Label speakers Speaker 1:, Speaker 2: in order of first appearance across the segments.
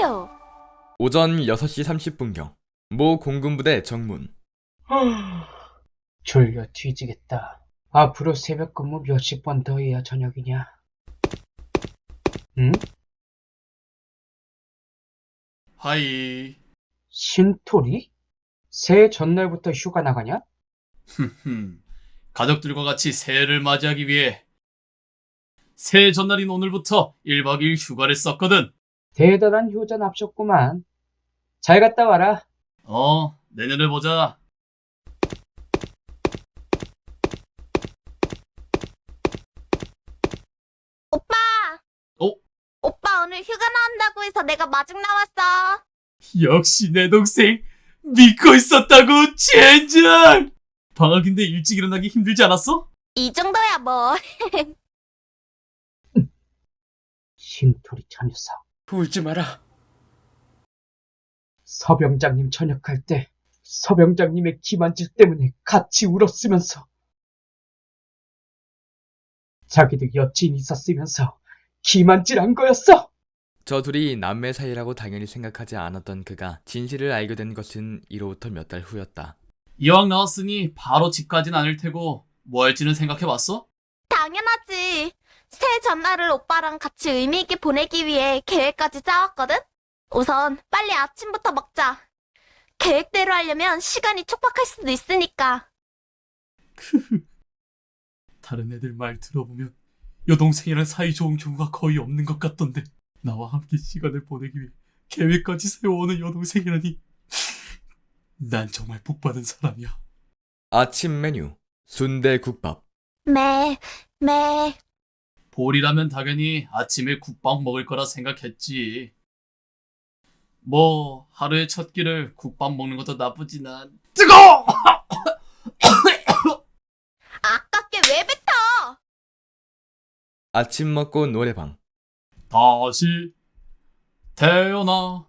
Speaker 1: 누구세요?
Speaker 2: 오전 6시 30분경 모 공군부대 정문.
Speaker 3: 졸려 뒤지겠다. 앞으로 새벽 근무 몇십 번 더 해야 저녁이냐? 응?
Speaker 4: 하이.
Speaker 3: 신토리? 새해 전날부터 휴가 나가냐?
Speaker 4: 가족들과 같이 새해를 맞이하기 위해 새해 전날인 오늘부터 1박 2일 휴가를 썼거든.
Speaker 3: 대단한 효자 납셨구만. 잘 갔다 와라.
Speaker 4: 내년에 보자.
Speaker 1: 오빠! 오빠 오늘 휴가 나온다고 해서 내가 마중 나왔어.
Speaker 4: 역시 내 동생 믿고 있었다고, 젠장! 방학인데 일찍 일어나기 힘들지 않았어?
Speaker 1: 이 정도야 뭐.
Speaker 3: 신토리 저 녀석. 울지 마라. 서병장님 전역할 때 서병장님의 기만질 때문에 같이 울었으면서 자기도 여친 있었으면서 기만질한 거였어.
Speaker 2: 저 둘이 남매 사이라고 당연히 생각하지 않았던 그가 진실을 알게 된 것은 이로부터 몇 달 후였다.
Speaker 4: 이왕 나왔으니 바로 집 가진 않을 테고 뭐 할지는 생각해봤어?
Speaker 1: 당연하지. 새해 전날을 오빠랑 같이 의미 있게 보내기 위해 계획까지 짜왔거든? 우선 빨리 아침부터 먹자. 계획대로 하려면 시간이 촉박할 수도 있으니까.
Speaker 4: 다른 애들 말 들어보면 여동생이랑 사이좋은 경우가 거의 없는 것 같던데, 나와 함께 시간을 보내기 위해 계획까지 세워오는 여동생이라니. 난 정말 복받은 사람이야.
Speaker 2: 아침 메뉴 순대국밥.
Speaker 1: 매.
Speaker 4: 볼이라면 당연히 아침에 국밥 먹을 거라 생각했지. 뭐 하루의 첫 끼를 국밥 먹는 것도 나쁘진 않... 뜨거워!
Speaker 1: 아깝게 왜 뱉어?
Speaker 2: 아침 먹고 노래방.
Speaker 4: 다시 태어나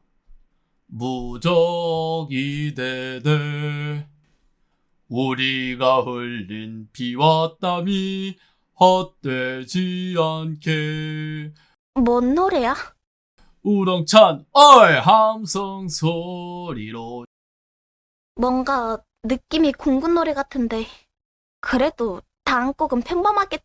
Speaker 4: 무적이 되되 우리가 흘린 피와 땀이 헛되지 않게.
Speaker 1: 뭔 노래야?
Speaker 4: 우렁찬 함성 소리로.
Speaker 1: 뭔가 느낌이 공군 노래 같은데. 그래도 다음 곡은 평범하게.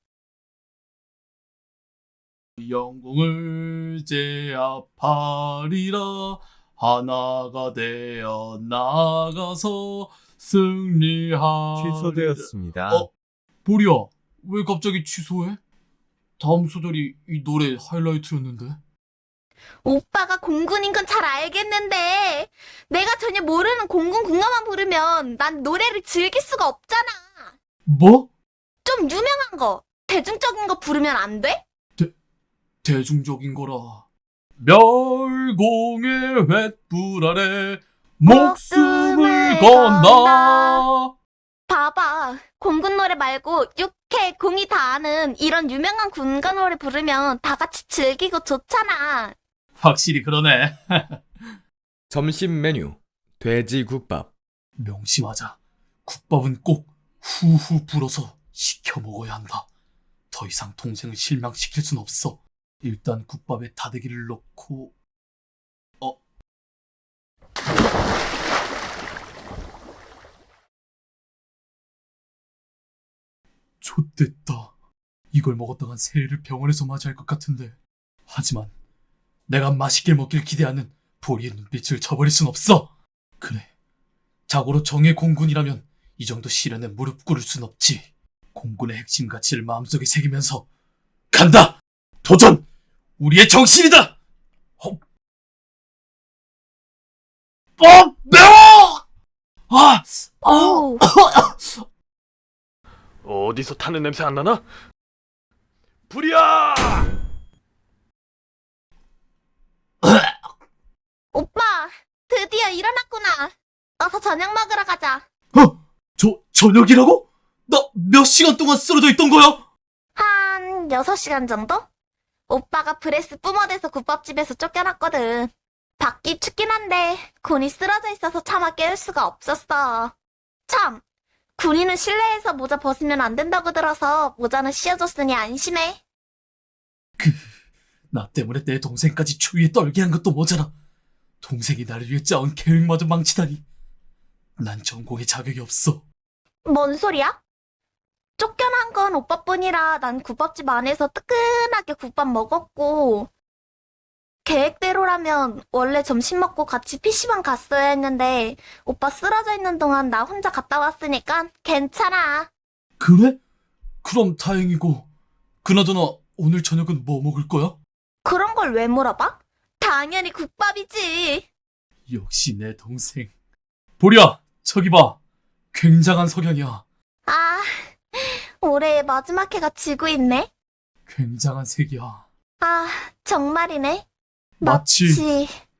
Speaker 4: 영웅을 제압하리라. 하나가 되어 나가서 승리하리라.
Speaker 5: 취소되었습니다.
Speaker 4: 보리야, 왜 갑자기 취소해? 다음 소절이 이 노래 하이라이트였는데.
Speaker 1: 오빠가 공군인 건 잘 알겠는데 내가 전혀 모르는 공군 국가만 부르면 난 노래를 즐길 수가 없잖아.
Speaker 4: 뭐?
Speaker 1: 좀 유명한 거, 대중적인 거 부르면 안 돼?
Speaker 4: 대중적인 거라. 멸공의 횃불 아래 목숨을 건다.
Speaker 1: 봐봐, 공군 노래 말고 육해, 공이 다 아는 이런 유명한 군가 노래 부르면 다 같이 즐기고 좋잖아.
Speaker 4: 확실히 그러네.
Speaker 2: 점심 메뉴 돼지국밥.
Speaker 4: 명심하자. 국밥은 꼭 후후 불어서 시켜 먹어야 한다. 더 이상 동생을 실망시킬 순 없어. 일단 국밥에 다대기를 넣고. 좆됐다. 이걸 먹었다간 새해를 병원에서 맞이할 것 같은데. 하지만 내가 맛있게 먹길 기대하는 보리의 눈빛을 저버릴 순 없어. 그래, 자고로 정의 공군이라면 이 정도 시련에 무릎 꿇을 순 없지. 공군의 핵심 가치를 마음속에 새기면서 간다! 도전! 우리의 정신이다! 매워!
Speaker 1: 오,
Speaker 5: 어디서 타는 냄새 안 나나? 불이야!
Speaker 1: 오빠, 드디어 일어났구나. 어서 저녁 먹으러 가자.
Speaker 4: 저녁이라고? 나 몇 시간 동안 쓰러져 있던 거야?
Speaker 1: 한 6시간 정도? 오빠가 브레스 뿜어대서 국밥집에서 쫓겨났거든. 밖이 춥긴 한데 군이 쓰러져 있어서 차마 깨울 수가 없었어. 참, 군인은 실내에서 모자 벗으면 안 된다고 들어서 모자는 씌워줬으니 안심해.
Speaker 4: 나 때문에 내 동생까지 추위에 떨게 한 것도 모자라. 동생이 나를 위해 짜온 계획마저 망치다니. 난 전공에 자격이 없어.
Speaker 1: 뭔 소리야? 쫓겨난 건 오빠뿐이라 난 국밥집 안에서 뜨끈하게 국밥 먹었고, 계획대로라면 원래 점심 먹고 같이 PC방 갔어야 했는데 오빠 쓰러져 있는 동안 나 혼자 갔다 왔으니까 괜찮아.
Speaker 4: 그래? 그럼 다행이고. 그나저나 오늘 저녁은 뭐 먹을 거야?
Speaker 1: 그런 걸 왜 물어봐? 당연히 국밥이지.
Speaker 4: 역시 내 동생. 보리야, 저기 봐. 굉장한 석양이야.
Speaker 1: 아, 올해의 마지막 해가 지고 있네.
Speaker 4: 굉장한 색이야.
Speaker 1: 아, 정말이네.
Speaker 4: 마치